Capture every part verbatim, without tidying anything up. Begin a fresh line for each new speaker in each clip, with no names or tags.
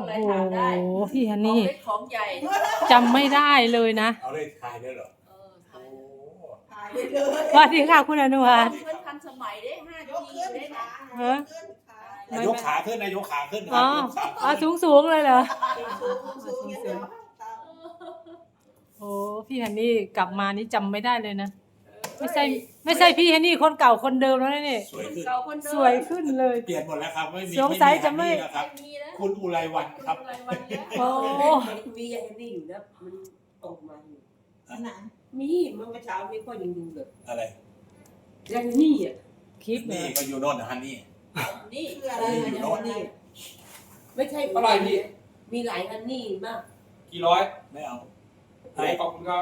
อะไรถามได้
โอ้โหพี่ฮัน
ของ
นี่
เล็กของใหญ่
จำไม่ได้เลยนะ
เอาเลขทายด้วยเหรอ
เออ
โอ้
ถ่าย
ถ่ายไปเลย
สวัสดีค่ะคุณอนุวัฒน์
เพื่อนทันสมัยได้ห้าย
ก
ที
ขึ้น
ได้
ขา
นะ
ฮะ
ยกขึ้นขาน
ายกขาขึ้นนายกขาขึ้นค
อ๋
รั
อบ
ยกขา
อ๋อ
ขึ้น
สูงสูงๆเลยเหรอ
สูงสูงอย่างเดียวตาม
โอ้พี่ฮันนี่กลับมานี่จำไม่ได้เลยนะ ไม่ใช่ไม่ใช่พี่ฮันนี่คนเก่าคนเดิมแล้วนะนี่
สวยขึ้น
เก่าคนเดิม
สวยขึ้นเลย
เปลี่ยนหมดแล้วครับไม่มี
สงสัยจะไม่
ไม่มีแล้วครับ
ไม่มีแล้ว
คุณอุไรวันครับ
อะไรวันเนี้ย
โอ้
มีอย่างนี้อยู่นะมันออกมาอยู่
ขนาด
มีเมื่อเช้านี้ก็ยังดูเลย
อะไร
ยังนี่อ่ะ
คลิป
นี่
เนี่ย
ก็อยู่โน่นนะฮันนี่
นี่
คืออะไร
อยู่
เนี่ย
โน่น
นี่ไม่ใช่
เท่าไหร่พี่
มีหลายอันนี่มาก
กี่ร้อย
ไม่เอา
โอ้ขอบคุณครับ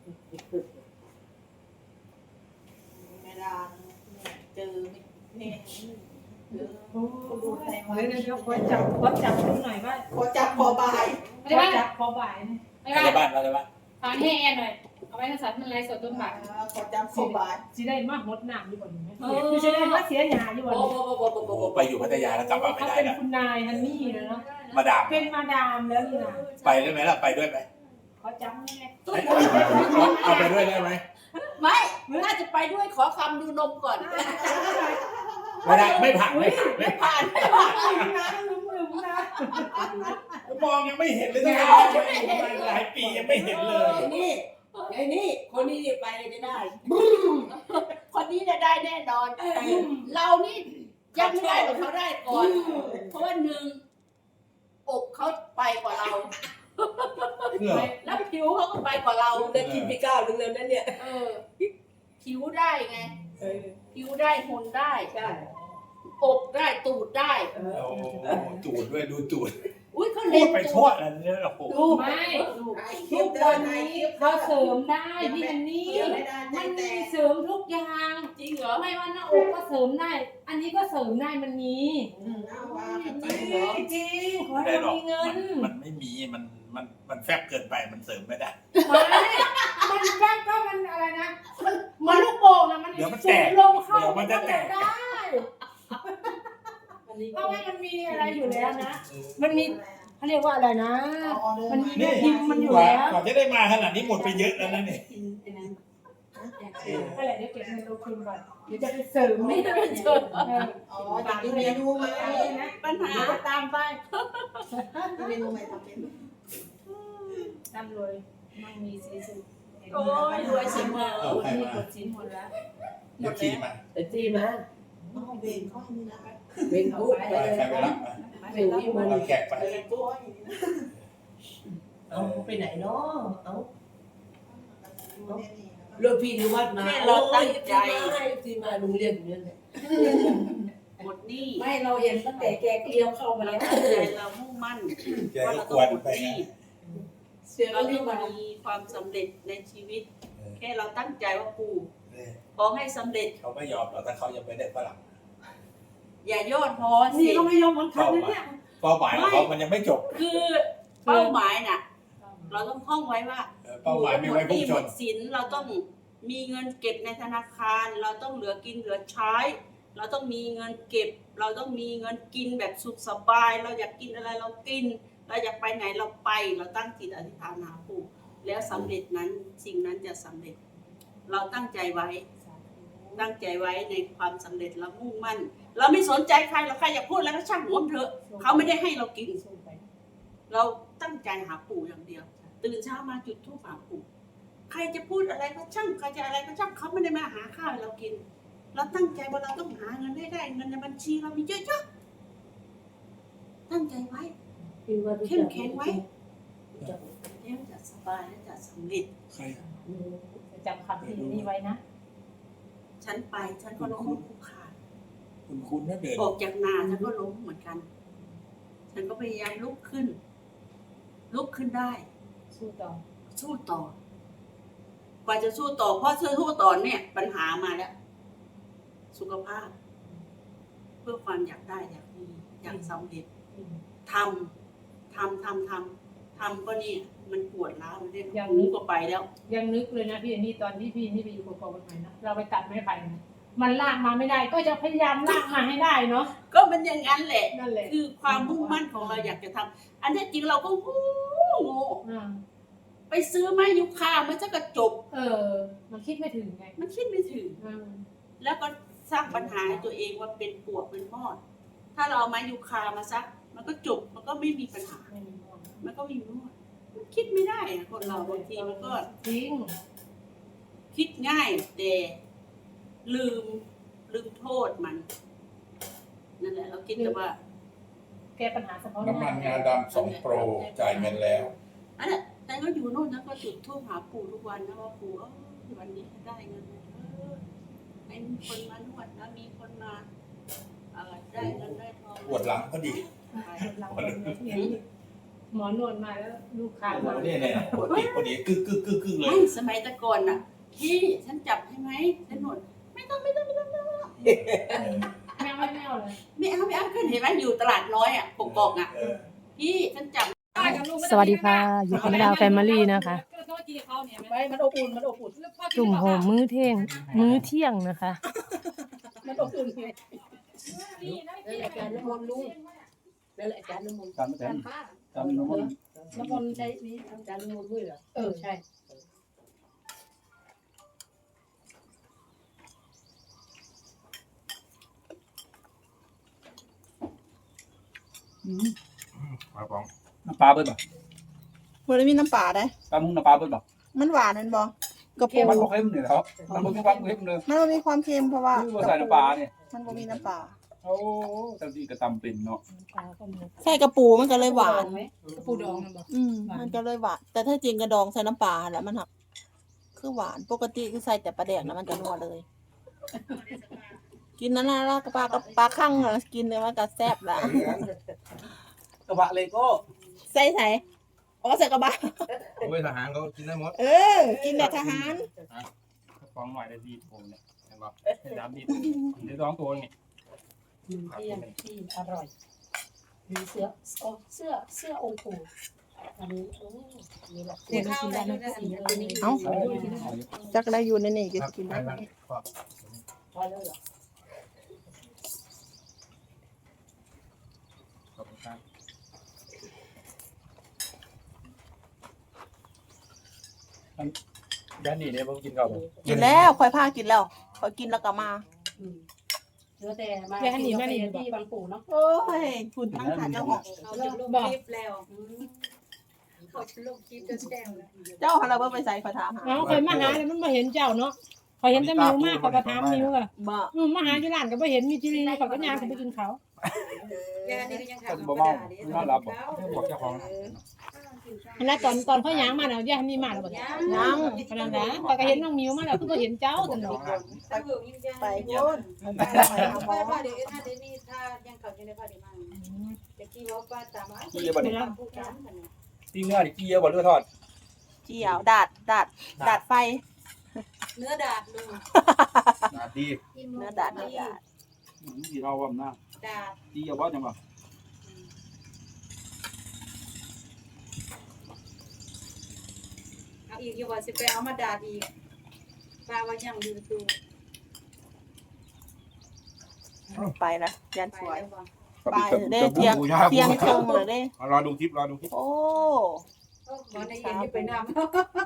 เวลาเจอเนี่ยเจอ
โอ้เดี๋ยวเดี๋ยวขอจับขอจับดูหน่อยว่า
พอจับพอบ่าย
ขอจับพอบ่ายนะ
ไม่
อะไร
ว่า
บ้านอะไรบ้าน
ฟังให้แอนหน่อย เอาไว้ในสัตว์มันไรสดต้นบัก
พอจับพอบ่าย
สิได้มากหดหนามอยู่บ่นี้ไหมคือสิได้มาเสียหยาอยู่บ่
โอ้
นี้
โหโอ้โหโอ้โห
โอ้
โอ้
โห
โห
ไปอยู่พัทยาแล้วกลับมาไม่
เขา
ได้
เป็น
แล้ว
คุณนายฮันนี่นะเนาะ
มาดาม
เป็นมาดามแล้วนี่นะ
ไปได้ไหมล่ะไปด้วยไหม
ขอจับแม่
เอาไปด้วยได้ไหม
ไม่น่าจะไปด้วยขอคำดูนมก่อน
ไม่ได้ไม่ผ่านไม่ผ่านไม่ผ่าน
ผ่านไม่ผ่าน
นะลืมลืมนะ
มองยังไม่เห็นเลยนะหลายปียังไม่เห็นเลย
ไอ้นี่ไอ้นี่คนนี้นี่ไปเลยจะได้
คนนี้จะได้แน่นอน เรานี่ยังไม่ได้หรอกเขาได้ก่อน เพราะว่าหนึ่งอกเขาไปกว่าเรา
เหรอ
แล้วผิวเขาก็ไปกว่าเรา
เราได้กินไปก้าวหนึงแล้วนั่นเนี่ย
เออ ผิวได้ไง
เออ
ผิวได้หุ่นได้
ใช่
อกได้ตูดได้
เออ
โอ้จูดด้วยดูจูด
อุ้ยเขา
พู
เล่
ด
น
ไป
ตู
ทั่ว
ด
แล้วเนี่ยโอ้โห
ดู
ไม่
ดูด
คลิ
ทุ
ป
ก
เดิ
วัน น
ใน
นี้
คลิป
เขาเสริมได้พี่ฮันนี่
ไม่ได้ใจ
มัน
แต
มี
ก
เสริมทุกอย่าง
จริงเหรอ
ไม่ว่าหน้าอกก็เสริมได้ อันนี้ก็เสริมได้มันมี
เอาว่ากันไป
จริงขอ
ไม่
ให้
ได้หร
เรา
อก
มีเงิ
มัน นมันไม่มีมันมันมันแฟบเกินไปมันเสริมไม่ได้
ไม่มันแค่ก็มันอะไรนะ มันมันลูกโป่งอะมัน
เดี๋ยวมัน
สู
แต
ง
ก
ลงเข้า
เดี๋ยวมันจะแตก
ได้เพราะว่ามันมีอะไรอยู่แล้วนะ มันมีเขาเรียกว่าอะไรนะ มันมีแม่พิมพ์มันอยู่
กว่า
แล้ว
กว่าจะได้มาขนาดนี้หมดไปเยอะแล้วนะเนี่ย
อะไรเดี๋ยวเก็บเงินลงทุนก่อนเดี๋ยวจะไปเสริม
ไม่ได้เป็นเชิญ
เออ
อ๋อจะมีเมนูไหม
ปัญหา
เดี๋ยวจะตามไป
มีเมนูไหมทำเป็น
ตามเลยมั่งมีสีสุด
โอ้ยรวยเสมอ
เอาใคร
มี
มาก
ดชิ้นหมดแล้ว
เดี๋ยวขี่มา
แต่จีมา
น้องเบนเขาให้นี่นะ
เป็นผู้ไป
ไป
เลย
ใครไปรับมา
เป็นที่มัน
เอาแขกไป
เบนตัวอย่างนี้นะ
เอาไปไหนเนาะเอา
ดูเนี่ยนี่นะ
เรื่องพี่นิวัฒน์มาที่มาโรงเรียนอยู่นั่นแหละ
หมดหนี้
ไม่เราเห็นตั้งแต่แกเกลียวเข้ามา
เรา
แล้ว
ตั้งใจเรามุ่งมั่น
แก
ว่า
ก็
เรา
ก
ต้อ
ว
ง
น
หมด
ไป
หนี้
นะ
เสือ
เรา
ก็
ต้
รี
อบ ง
มา
มีความสำเร็จในชีวิต แค่เราตั้งใจว่าปู่
เนี่ย
ขอให้สำเร็จ
เขาไม่ยอมหรอกถ้าเขายังไม่ได้ฝรั่ง
อย่าย่อท้อสิ
นี่ก็ไม่ยอมเหมือนกันนะเนี่ย
เป้าหมายของเขามันยังไม่จบ
คือเป้าหมายน่ะ เราต้องท่องไว้ว่า
เออเป้าหมายมีไว้พุ่งชน
หมดหนี้หมดสินเราต้องมีเงินเก็บในธนาคาร เราต้องเหลือกินเหลือใช้ เราต้องมีเงินเก็บ เราต้องมีเงินกินแบบสุขสบาย เราอยากกินอะไรเรากิน เราอยากไปไหนเราไป เราตั้งจิตอธิษฐานหาปู่แล้วสำเร็จนั้นสิ่งนั้นจะสำเร็จ เราตั้งใจไว้ ตั้งใจไว้ในความสำเร็จเรามุ่งมั่น เราไม่สนใจใครเราใครอยากพูดแล้วก็ช่างหัวมันเถอะเขาไม่ได้ให้เรากิน เราตั้งใจหาปู่อย่างเดียว ตื่นเช้ามาจุดธูปหาปู่ใครจะพูดอะไรก็ช่างใครจะอะไรก็ช่างเขาไม่ได้มาหาข้าวให้เรากิน เราตั้งใจว่าเราต้องหาเงินให้ได้เงินในบัญชีเรามีเยอะๆตั้งใจไว้เข้มแข็งไว้แล้วจะสบายและจะสำเร็จ
ใคร
จะจำคำที่นี่ไว้นะ
ฉันไปฉันก็ล้มลุกคลุกคลาน
คุณคุณน่าเดิน
ออกจากนาฉันก็ล้มเหมือนกัน ฉันก็พยายามลุกขึ้น ลุกขึ้นได้
สู้ต่อ
สู้ต่อ กว่าจะสู้ต่อเพราะสู้ต่อเนี่ย ปัญหามาแล้ว สุขภาพ เพื่อความอยากได้อยากมีอยากสำเร็จทำทำทำทำทำก็นี่มันปวดร้าวมันเรียกหูก็ไปแล้ว
ยังนึกเลยนะพี่อันนี้ตอนที่พี่นี่ไปอยู่กับพ่อคนใหม่นะเราไปตัดไม้ไผ่นะมันลากมาไม่ได้ ก็จะพยายามลากมาให้ได้เนาะ
ก็มันอย่างนั้นแหละ
นั่นแหละ
คือความมุ่งมั่นของเราอยากจะทำอันที่จริงเราก็โง่โง่
อ่า
ไปซื้อไม้ยูคามันจะกระจบ
เออ มันคิดไม่ถึงไง
มันคิดไม่ถึง
อืม
แล้วก็สร้างปัญหาให้ตัวเองว่าเป็นปวกเป็นมอด ถ้าเราเอาไม้ยูคามาซัก มันก็จบ มันก็ไม่มีปัญหา
ไม่มีหมด
มันก็ไมมีมอดมันคิดไม่ได้อะคนเราบางทีมันก็
จริง
คิดง่ายแต่ลืมลืมโทษมัน นั่นแหละ เราคิดแต่ว่า
แก้ปัญหาเฉพาะห
น้ำมัน
น้า
งาดำสองโปรจ่ายเงินแล้ว
อันนั้นแต่ก็อยู่โน่นนะก็จุดธูปหาปู่ทุกวันนะว่าปู่เออวันนี้ได้เงินเออให้มีคนมานวดนะมีคนมาเออได้เงินได้ทอง
ปวดหลังพอดี
หลังคนนี้หมอนวดมาแล้วลูกค้ามา
เนี่ยเนี่ยปวดติดพอดีกึกกึกกึกกึกเลย
ไม่สมัยแตะก่อนน่ะพี่ฉันจับให้ไหมฉันนวดไม่ต้องไม่ต้องไม่ต้องไม่ต้อง
ไม่เอาไม่เอาเลย
ไม่เอาไม่เอาขึ้นเห็นไหมอยู่ตลาดน้อยอ่ะปกกอกอ่ะ
เออ
พี่ฉันจับ
สวัสดีค่ะ อยู่กับดาวแฟมิลี่นะคะ
ไม่มันอบอุ่นมันอบอุ่น
จุ่มโหมมื้อเที่ยง มื้อเที่ยงนะคะ
มันอบอุ่นไง
นั่นแหละอาจารย์น้ำมนต์ลุงนั่นแหละอาจารย์น้ำมนต์
จำไม่ได้จำน้ำมัน
น้ำมนต์ใช้นี้อาจารย์น้ำมนต์ด้วยเหรอ
เออใช่
มาปอง
น้ำปลาเบิ้ลป่ะ
มันไม่มีน้ำปลาได้
ปลามุ้งน้ำปลาเบิ้ลป่ะ
มันหวานนั่นบอกกระปู
มันบอกเค็มเนี่ยครับมันบอกมีความเค็มเลย
มันบ่มีความเค็มเพราะว่า
คือว่าใส่น้ำปลาเนี่ย
มันบ่มีน้ำปลา
โอ้แต่ที่กระตำเป็นเนาะ
ใส่กระปูมันก็เลยหวาน
กระปูดองนะบอก
อืมมันก็เลยหวาน แต่ถ้าจริงกระดองใส่น้ำปลาแล้วมันหักคือหวานปกติคือใส่แต่ปลาแดกแล้วมันจะนัวเลย กินนั่นนะแล้วก็ปลากับปลาคั่งน่ะกินเลยมันก็แซ่บละ
กระบะเลโก้
ใส่ใส่อ๋อใส่กระบะ
เว้ยทหารเขากินได้หมด
เออ กินแต่ทหาร
ฟองหน่อยได้ดีโถเนี่ยเห็นป่ะได้น้ำดีได้สองตัวไง
มื้อเที่ยงที่อร่อยมีเสื้อโอ้เสื้อเสื้อองค์ปู่อันนี้โอ้มีหลักฐานกินได้นะสีตัวนี้
เอ้าจักได้อยู่ในนี่ก็กินได้
พอแล้วเหรอ
ขอบคุณครับด้านนี้เนี่ยผมกินข้าว
กินแล้วค่อยพากินแล้วค่อยกินแล้วก็มา
อืมเหลือแต่มากินกาแฟที่บางปู่เนาะ
โอ้ยคุณทั้งขาเจ้าของ
เขาจะลงคลิปแล้วเขาจะลงคลิปจนแจ้งแล้ว
เจ้าของเราเพิ่งไปใส่ขอถามหา
เอาเคยมาหาแล้วมันมาเห็นเจ้าเนาะพอเห็นแต่มิวมากเขาก็ถามมิวอะ
บ่
อืมมาหาที่ร้านก็ไม่เห็นมีทีวีเขาก็ยางเขาไปกินเขา
ยานี่ก็ยัง
ก็
ถาม
จะบอกว่าน่ารับบอกบอกเจ้าของ
อันนั้นตอนตอนเขายางมาแล้วย่ามีมาแล้วบ่เนี่ย
ยัง
กำลังนะพอก็เห็นน้องมิวมาแล้วเพิ่งก็เห็นเจ้าตลอด
ไปพูดไปหาหมอ
ป้าเดี๋ยวถ้าเดี๋ยวนี้ถ้ายังเขายังได้พาเดี๋ยวมาเดี๋ยวกี้ว่าป้าตามมา
กี้เยอะบ่เนี่ย
ผู้การกัน
ตีเนื้อดิกี้เยอะบ่เลือดทอด
เจียวดาดดาดดาดไฟ
เนื้อดาดเลย
นาดี
เนื้อดาดเนื้อดาด
ที่เราว่ามันน่า
ดาด
กี้เยอะบ่จังบ่
เอาอีกอย่าว่าสิไปเอามาดาดอีกป้าว่ายังดูตู
ไปละยัน
ไป
สวย
แล้วบ่
ไปเด้เทียงเทียงครึ่งเลยเด้
รอดูคลิปรอดูคลิป
โอ้
บ่ได้เย็นอยู่ไปน้ำ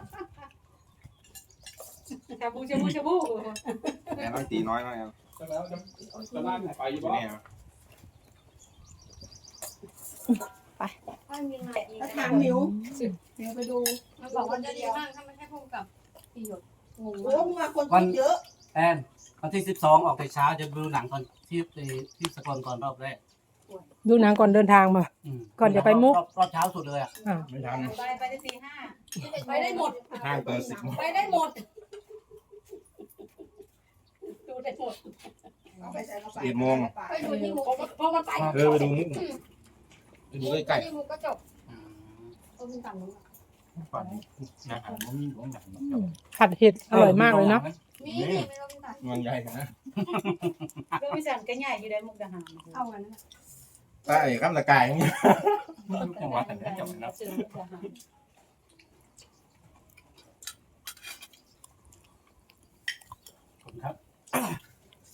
ชาบูชาบูชาบู
แอนน้อยตีน้อยน้อยเอา
แล้วจะจะลากไปอยู่บ่
เนี่ย
แล้วถามนิ้วนิ้วไปดู
มันบอกว่าจะดีมากถ้าไม่ใช่พุ่งกับประโยชน์งง
โอ้มาคนคิดเยอะ
แอนวันที่สิบสองออกแต่เช้าจะดูหนังตอนที่ที่สกลก่อนรอบแรก
ดูหนังก่อนเดินทางมา
อืม
ก่อนจะไปมุก
รอบรอบเช้าสุดเลยอ่ะ
อ่า
ไม่ทัน
ไปไปได้ตีห้าไปได้หมด
ห้างเปิดสิบโมง
ไปได้หมดดูได้หมด
สิบเอ็ดโมง
ไปดูที่หมูเพราะมันไป
เออไปดูมุกไปดูใกล้
ที่หมูก็จบ
อืม
ต้มตำนู้น
ๆฝันนะอ่านบ่มีของหนัง
ผัดเห็ดอร่อยมากเลยเนาะ
มีนี่ไม่ต้องตัด
ๆเมืองใหญ่นะ
เรื่องวิสันก็ใหญ่อยู่ได้มุกดาหารเอาอันนั้น
ใต้ข้ามตะกายอย่างเงี้ย
จังหวัดแต่ละจังหวัดนะ
เสือมุกดาหาร
ขอบคุณครับ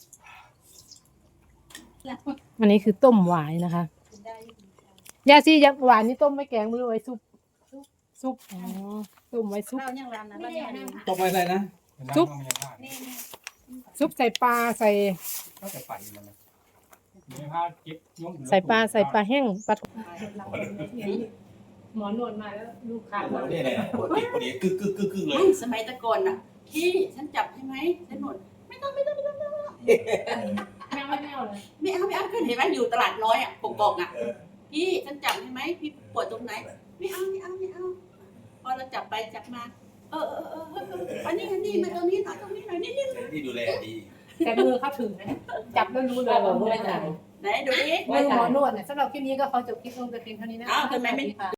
อันนี้คือต้มหวายนะคะยาซียักหวานนี่ต้มไม่แกงมือไว้ซุปซุปอ๋อต้มไว้ซุป
เรายังรำนะเรายังรำ
ตกไปอะไรนะ
ซุป ซุปใส่ปลาใส่
ก็จะปั่นมันนะมีผ้าเก็บยก
ใส่ปลาใส่ปลาแห้งปลาหมอนวดมาแล้วลูกค้ามา
นี่เลยปวดปวดกึกกึกกึกกึกเลย
ไม่สมัยแตะก่อนน่ะพี่ฉันจับใช่ไหมฉันหนวดไม่ต้องไม่ต้องไม่ต้องไม่ต้อง
แมวไม่เอาเลย
ไม่เอาไม่เอาขึ้นเห็นไหมอยู่ตลาดน้อยอ่ะกกอกอ่ะพี่ฉันจับใช่ไหมพี่ปวดตรงไหนไม่เอาไม่เอาไม่เอาพอเราจับไปจับมาเออเออเออเอออันนี้อันนี้มาตรงนี้หน่อยตรงนี้หน่อยนิดนิด
ที่ดูแลดี
แต่มือเขาถึงนะจับแล้วรู้เลยว่ามือไหน
ไหนดูดิ
มือหมอนวดเนี่ยสำหรับคลิปนี้ก็ขอจบคลิปลงแต่เพียงเท่านี้นะ
อ้าวทำไมไม่